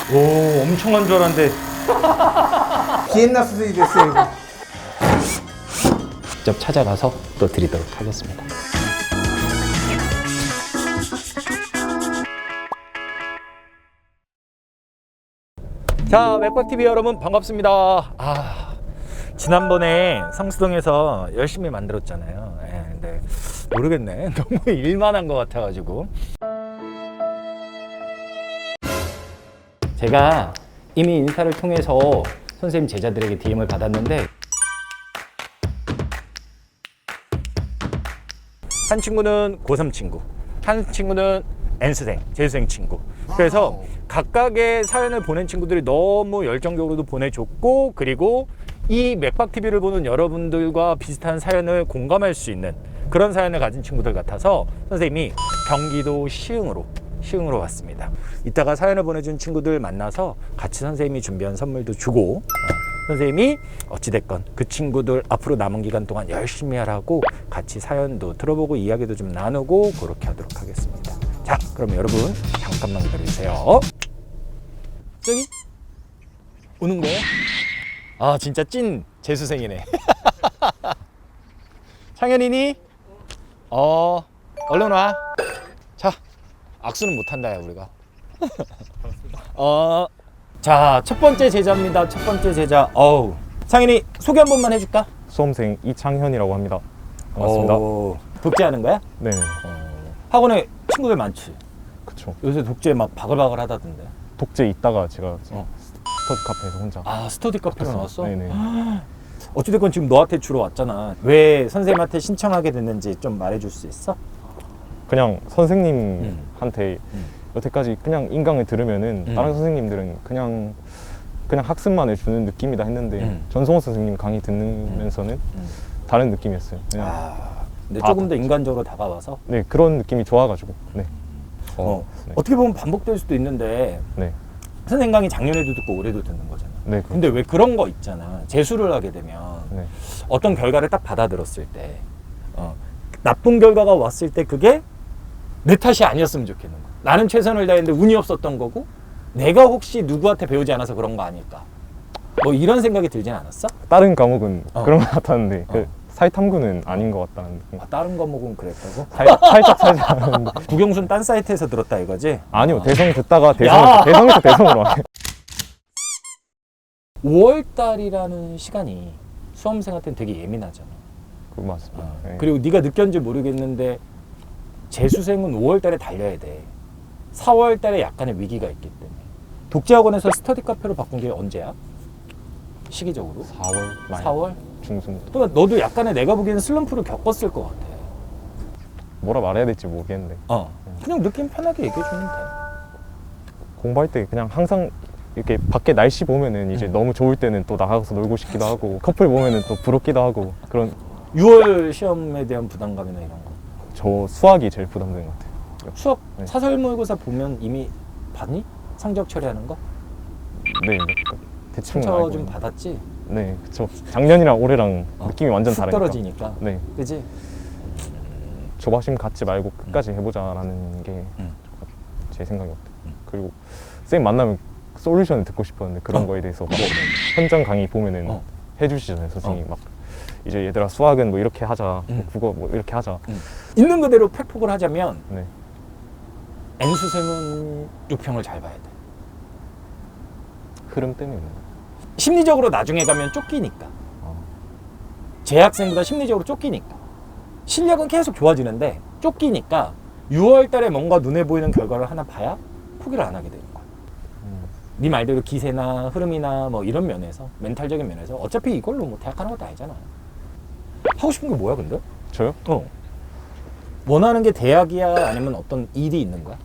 오, 엄청 한 줄 알았는데. 비엔나 수준이 됐어요, 이거. 직접 찾아가서 또 드리도록 하겠습니다. 자, 맥박TV 여러분 반갑습니다. 지난번에 성수동에서 열심히 만들었잖아요. 근데 모르겠네. 너무 일만 한 것 같아가지고. 제가 이미 인스타를 통해서 선생님 제자들에게 DM을 받았는데 한 친구는 고3 친구, 한 친구는 N수생, 재수생 친구. 그래서 각각의 사연을 보낸 친구들이 너무 열정적으로도 보내줬고, 그리고 이 맥박TV를 보는 여러분들과 비슷한 사연을 공감할 수 있는 그런 사연을 가진 친구들 같아서 선생님이 경기도 시흥으로 왔습니다. 이따가 사연을 보내준 친구들 만나서 같이 선생님이 준비한 선물도 주고, 선생님이 어찌됐건 그 친구들 앞으로 남은 기간 동안 열심히 하라고 같이 사연도 들어보고 이야기도 좀 나누고 그렇게 하도록 하겠습니다. 자, 그럼 여러분 잠깐만 기다려주세요. 저기 오는 거예요? 진짜 찐 재수생이네. 창현이니? 얼른 와. 자, 악수는 못한다 야 우리가. 자, 첫 번째 제자입니다. 첫 번째 제자. 창현이 소개 한 번만 해줄까? 수험생 이창현이라고 합니다. 반갑습니다. 독재하는 거야? 네, 학원에 친구들 많지? 그쵸. 요새 독재 막 바글바글 하다던데. 독재 있다가 제가 스터디 카페에서 혼자. 스터디 카페로 나왔어? 네네. 어찌됐건 지금 너한테 주로 왔잖아. 왜 선생님한테 신청하게 됐는지 좀 말해줄 수 있어? 그냥 선생님한테 여태까지 그냥 인강을 들으면은 다른 선생님들은 그냥 학습만 해주는 느낌이다 했는데 전성호 선생님 강의 듣면서는 다른 느낌이었어요. 그냥 근데 조금 더 인간적으로 다가와서? 네, 그런 느낌이 좋아가지고. 네. 네. 어떻게 보면 반복될 수도 있는데 네. 선생님 강의 작년에도 듣고 올해도 듣는 거잖아. 네. 근데 왜 그런 거 있잖아. 재수를 하게 되면 네. 어떤 결과를 딱 받아들었을 때 나쁜 결과가 왔을 때 그게 내 탓이 아니었으면 좋겠는 거야. 나는 최선을 다했는데 운이 없었던 거고 내가 혹시 누구한테 배우지 않아서 그런 거 아닐까. 뭐 이런 생각이 들진 않았어? 다른 과목은 그런 것 같았는데 사회탐구는 아닌 것 같다는 느낌. 다른 과목은 그랬다고? 살짝 국영순 딴 사이트에서 들었다 이거지? 아니요, 대성 듣다가 대성에서 대성으로 와요. 5월달이라는 시간이 수험생한테는 되게 예민하잖아. 그거 맞습니다. 네. 그리고 네가 느꼈는지 모르겠는데 재수생은 5월달에 달려야 돼. 4월달에 약간의 위기가 있기 때문에. 독재학원에서 스터디 카페로 바꾼 게 언제야? 시기적으로? 4월 말 4월? 중순. 그러니까 너도 약간의 내가 보기에는 슬럼프를 겪었을 것 같아. 뭐라 말해야 될지 모르겠는데 그냥 느낌 편하게 얘기해주면 돼. 공부할 때 그냥 항상 이렇게 밖에 날씨 보면은 이제 너무 좋을 때는 또 나가서 놀고 싶기도 하고 커플 보면은 또 부럽기도 하고 그런. 6월 시험에 대한 부담감이나 이런 거. 저 수학이 제일 부담되는 것 같아요. 수학 네. 사설 모의고사 보면 이미 봤니? 성적 처리하는 거? 네, 대충 상처 알고 좀 있는. 받았지? 네, 그쵸. 작년이랑 올해랑 느낌이 완전 훅 다르니까. 떨어지니까. 네, 그지? 조바심 갖지 말고 끝까지 해보자라는 게 제 생각이었대요. 그리고 쌤 만나면 솔루션을 듣고 싶었는데 그런 거에 대해서 막 현장 강의 보면은 해주시잖아요, 선생님이. 막 이제 얘들아 수학은 뭐 이렇게 하자, 국어 뭐 이렇게 하자. 있는 그대로 팩폭을 하자면 네. N수생은 요평을 잘 봐야 돼. 흐름 때문에 있는 거예요. 심리적으로 나중에 가면 쫓기니까. 재학생보다 심리적으로 쫓기니까. 실력은 계속 좋아지는데 쫓기니까 6월 달에 뭔가 눈에 보이는 결과를 하나 봐야 포기를 안 하게 되는 거야. 네 말대로 기세나 흐름이나 뭐 이런 면에서, 멘탈적인 면에서 어차피 이걸로 뭐 대학 가는 것도 아니잖아. 하고 싶은 게 뭐야 근데? 저요? 원하는 게 대학이야 아니면 어떤 일이 있는 거야?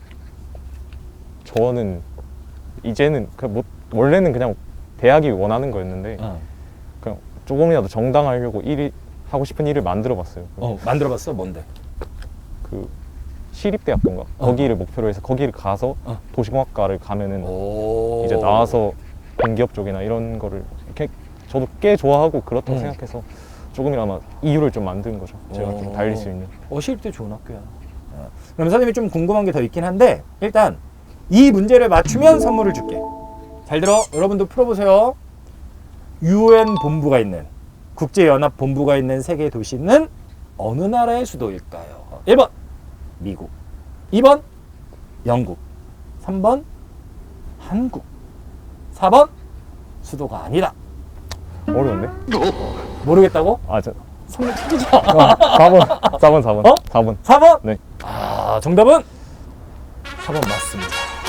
저는 이제는 원래는 그냥 대학이 원하는 거였는데 그냥 조금이라도 정당하려고 하고 싶은 일을 만들어봤어요. 만들어봤어? 뭔데? 그 시립대학교인가? 거기를 목표로 해서 거기를 가서 도시공학과를 가면은 이제 나와서 공기업 쪽이나 이런 거를 이렇게 저도 꽤 좋아하고 그렇다고 생각해서 조금이나마 이유를 좀 만든 거죠. 제가 좀 달릴 수 있는. 시립대 좋은 학교야. 그럼 선생님이 좀 궁금한 게 더 있긴 한데 일단 이 문제를 맞추면 선물을 줄게. 잘 들어. 여러분도 풀어보세요. UN 본부가 있는, 국제연합 본부가 있는 세계 도시는 어느 나라의 수도일까요? 1번 미국, 2번 영국, 3번 한국, 4번 수도가 아니다. 어려운데? 모르겠다고? 아, 저 선물 찾기자. 4번. 어? 4번. 4번? 네. 아, 정답은 4번 맞습니다.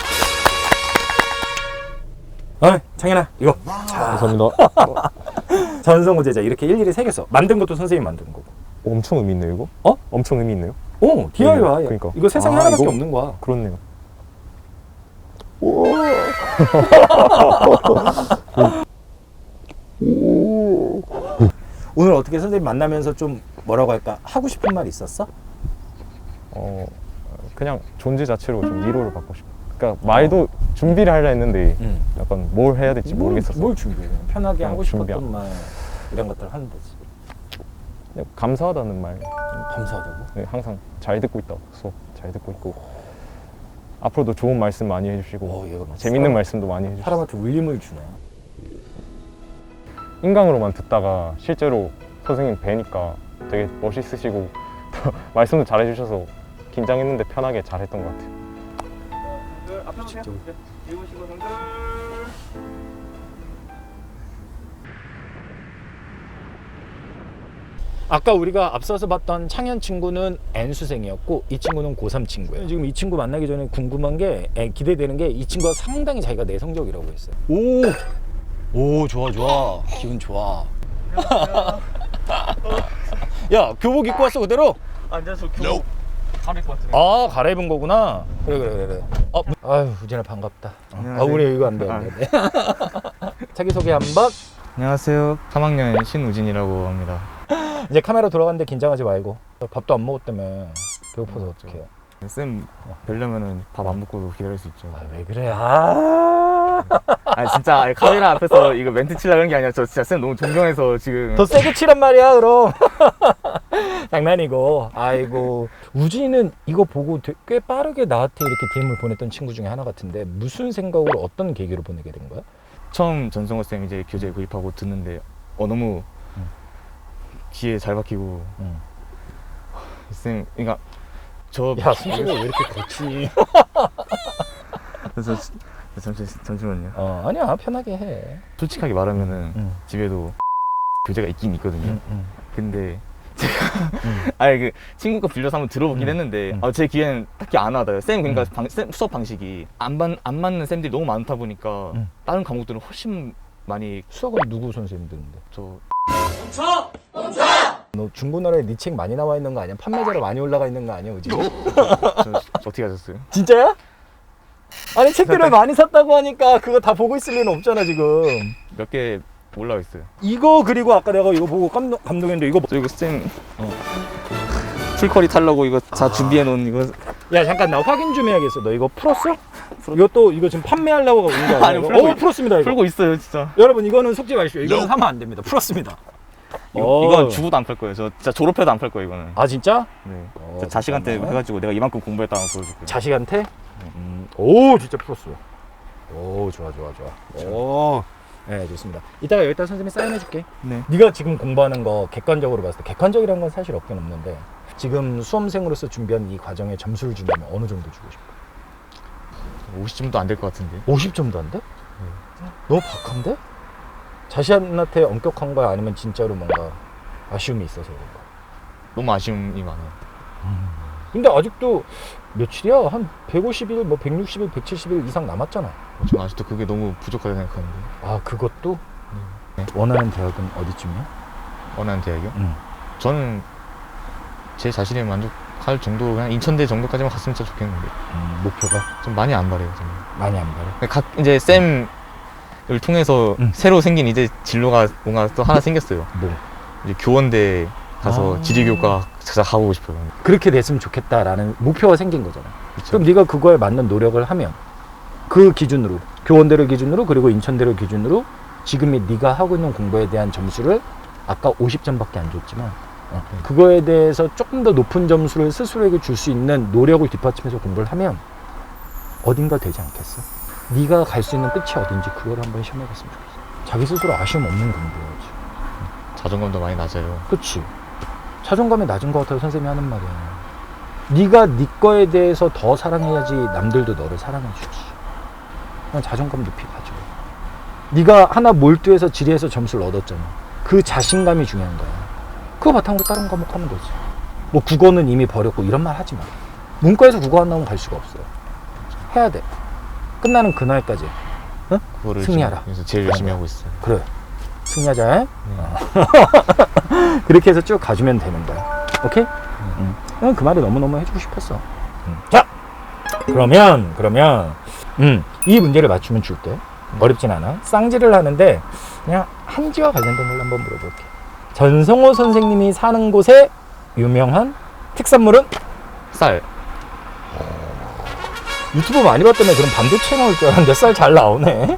창현아, 이거. 자, 감사합니다. 전성호제자 이렇게 일일이 새겼어. 만든 것도 선생님이 만든 거고. 엄청 의미 있네요, 이거? 어? 엄청 의미 있네요? 오, DIY. 그러니까. 이거 세상에 아, 하나밖에 이거- 없는 거야. 그렇네요. 오늘 어떻게 선생님 만나면서 좀 뭐라고 할까? 하고 싶은 말 있었어? 그냥 존재 자체로 좀 위로를 받고 싶어. 그러니까 말도 준비를 하려 했는데 응. 약간 뭘 해야 될지 모르겠었어. 뭘 준비해? 편하게 그냥 하고 싶었던 준비한. 말 이런 것들 하는 거지. 그냥 감사하다는 말. 감사하다고? 네, 항상 잘 듣고 있다고. 수업 잘 듣고 있고. 앞으로도 좋은 말씀 많이 해주시고 얘가 막 재밌는 사람- 말씀도 많이 해주시고. 사람한테 울림을 주네. 인강으로만 듣다가 실제로 선생님 뵈니까 되게 멋있으시고 또 말씀도 잘 해주셔서 긴장했는데 편하게 잘했던 것 같아요. 아까 우리가 앞서서 봤던 창현 친구는 N수생이었고 이 친구는 고3 친구예요. 지금 이 친구 만나기 전에 궁금한 게 기대되는 게 이 친구가 상당히 자기가 내성적이라고 했어요. 오 좋아 기분 좋아. 야 교복 입고 왔어 그대로? 앉아서 교복 가릴 것 같은데. 아 갈아입은 거구나. 그래. 아유 우진아 반갑다. 우리 이거 안돼. 자기소개 한번. 안녕하세요. 3학년 신우진이라고 합니다. 이제 카메라 돌아갔는데 긴장하지 말고. 밥도 안 먹었다며. 배고파서 어떡해요. 쌤 뵈려면은 밥 안 먹고도 기다릴 수 있죠. 왜 그래? 아. 아 진짜 카메라 앞에서 이거 멘트 치려고 그런 게 아니라 저 진짜 쌤 너무 존경해서 지금. 더 세게 치란 말이야 그럼. 장난이고. 아이고 우진이는 이거 보고 꽤 빠르게 나한테 이렇게 DM을 보냈던 친구 중에 하나 같은데 무슨 생각으로 어떤 계기로 보내게 된 거야? 처음 전성호 쌤 이제 교재 구입하고 듣는데 너무 귀에 잘 박히고 쌤 그러니까 저 야 숨소리가 왜 이렇게 거치? 그래서 잠시만요. 아니야 편하게 해. 솔직하게 말하면은 집에도 교재가 있긴 있거든요. 근데 제가 아니 그 친구 거 빌려서 한번 들어보긴 했는데 제 귀에는 딱히 안 와닿아요. 쌤 그러니까 쌤 수업 방식이 안 맞는 쌤들이 너무 많다 보니까 다른 과목들은 훨씬 많이 수학은 누구 선생님 듣는데? 저 너 중고나라에 네 책 많이 나와 있는 거 아니야? 판매자로 많이 올라가 있는 거 아니야, 우진이? 어떻게 하셨어요? 진짜야? 아니 책들을 많이 샀다고 하니까 그거 다 보고 있을 리는 없잖아 지금. 몇 개 올라와 있어요. 이거 그리고 아까 내가 이거 보고 감동했는데 이거 저 이거 쌤 풀커리 타려고 이거 다 준비해 놓은 이거. 야 잠깐 나 확인 좀 해야겠어. 너 이거 풀었어? 이것도 이거 지금 판매하려고 온 거 아니야? 아니, 이거? 풀었습니다 이거. 풀고 있어요 진짜. 여러분 이거는 속지 마십시오. 이거는 사면 안 됩니다. 풀었습니다. 이건 죽어도 안 팔 거예요. 저 진짜 졸업해도 안 팔 거예요 이거는. 아 진짜? 네. 저 자식한테 해가지고 내가 이만큼 공부했다는 거 보여줄 거예요. 자식한테? 오 진짜 풀었어. 오 좋아. 오. 네 좋습니다. 이따가 여기다 선생님이 사인해 줄게. 네. 네가 지금 공부하는 거 객관적으로 봤을 때 객관적이라는 건 사실 없긴 없는데 지금 수험생으로서 준비한 이 과정에 점수를 준다면 어느 정도 주고 싶어? 50점도 안 될 것 같은데. 50점도 안 돼? 너무 박한데? 자신한테 엄격한 거야? 아니면 진짜로 뭔가 아쉬움이 있어서 그런가? 너무 아쉬움이 많아요. 근데 아직도 며칠이야? 한 150일, 뭐 160일, 170일 이상 남았잖아. 저는 아직도 그게 너무 부족하다고 생각하는데. 아 그것도? 네. 원하는 대학은 어디쯤이야? 원하는 대학이요? 응. 저는 제 자신에 만족할 정도로 그냥 인천대 정도까지만 갔으면 진짜 좋겠는데 목표가 좀 많이 안 바래요. 저는. 많이 안 바래. 각 이제 쌤을 통해서 새로 생긴 이제 진로가 뭔가 또 하나 생겼어요. 뭐? 이제 교원대 가서 지리교과 찾아 가보고 싶어요. 그렇게 됐으면 좋겠다라는 목표가 생긴 거잖아. 그쵸? 그럼 네가 그거에 맞는 노력을 하면 그 기준으로 교원대를 기준으로 그리고 인천대를 기준으로 지금의 네가 하고 있는 공부에 대한 점수를 아까 50점밖에 안 줬지만 그거에 대해서 조금 더 높은 점수를 스스로에게 줄 수 있는 노력을 뒷받침해서 공부를 하면 어딘가 되지 않겠어? 네가 갈 수 있는 끝이 어딘지 그걸 한번 시험해봤으면 좋겠어. 자기 스스로 아쉬움 없는 공부해야지. 자존감도 많이 낮아요. 그치? 자존감이 낮은 것 같아요. 선생님이 하는 말이야. 네가 네 거에 대해서 더 사랑해야지 남들도 너를 사랑해주지. 그냥 자존감 높이 가져. 네가 하나 몰두해서 지리해서 점수를 얻었잖아. 그 자신감이 중요한 거야. 그거 바탕으로 다른 과목 하면 되지. 뭐 국어는 이미 버렸고 이런 말 하지 마. 문과에서 국어 안 나오면 갈 수가 없어요. 해야 돼. 끝나는 그날까지. 응? 그거를 승리하라. 그래서 제일 열심히 하고 있어요. 그래. 승리하자. 그렇게 해서 쭉 가주면 되는 거야. 오케이? 그 말을 너무너무 해주고 싶었어. 자! 그러면, 이 문제를 맞추면 줄게. 어렵진 않아. 쌍지를 하는데, 그냥 한지와 관련된 걸로 한번 물어볼게. 전성호 선생님이 사는 곳에 유명한 특산물은? 쌀. 유튜브 많이 봤다며 그럼 반도체 나올 줄 알았는데 쌀 잘 나오네.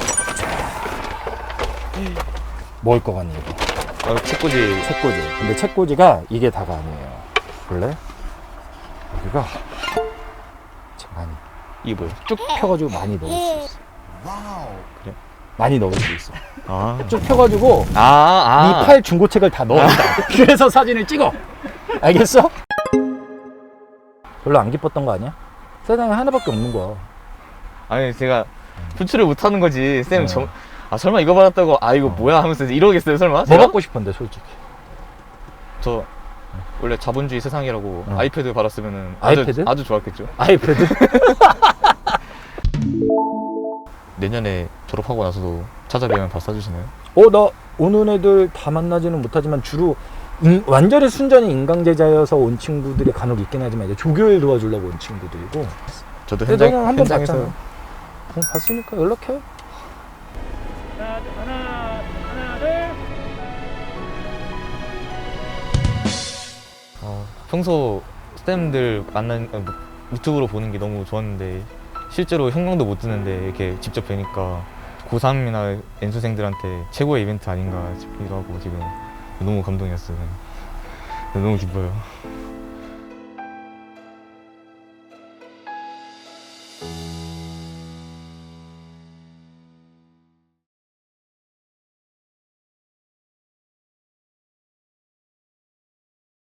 뭘 것 같니, 이거? 책꽂이. 책꽂이. 근데 책꽂이가 이게 다가 아니에요. 볼래? 여기가 많이 이게 뭐예요? 쭉 펴가지고 많이 넣을 수 있어. 그래? 많이 넣을 수 있어. 아. 쭉 펴가지고 네 팔 중고책을 다 넣었다. 그래서 사진을 찍어. 알겠어? 별로 안 기뻤던 거 아니야? 세상에 하나밖에 없는 거야. 아니 제가 분출을 못 하는 거지. 쌤 설마 이거 받았다고 이거 뭐야 하면서 이러겠어요 설마? 뭐 제가? 받고 싶은데 솔직히. 저 원래 자본주의 세상이라고 어. 아이패드 받았으면은 아이패드? 아주 좋았겠죠. 아이패드? 내년에 졸업하고 나서도 찾아뵈면 밥 사주시나요? 나 오는 애들 다 만나지는 못하지만 주로 완전히 순전히 인강제자여서 온 친구들이 간혹 있긴 하지만 이제 조교일 도와주려고 온 친구들이고. 저도 근데 현장, 너는 한번 현장에서 봤잖아. 봤으니까 연락해. 평소 쌤들 유튜브로 보는 게 너무 좋았는데 실제로 형광도 못 듣는데 이렇게 직접 뵈니까 고3이나 N수생들한테 최고의 이벤트 아닌가 싶기도 하고 지금 너무 감동이었어요. 너무 기뻐요.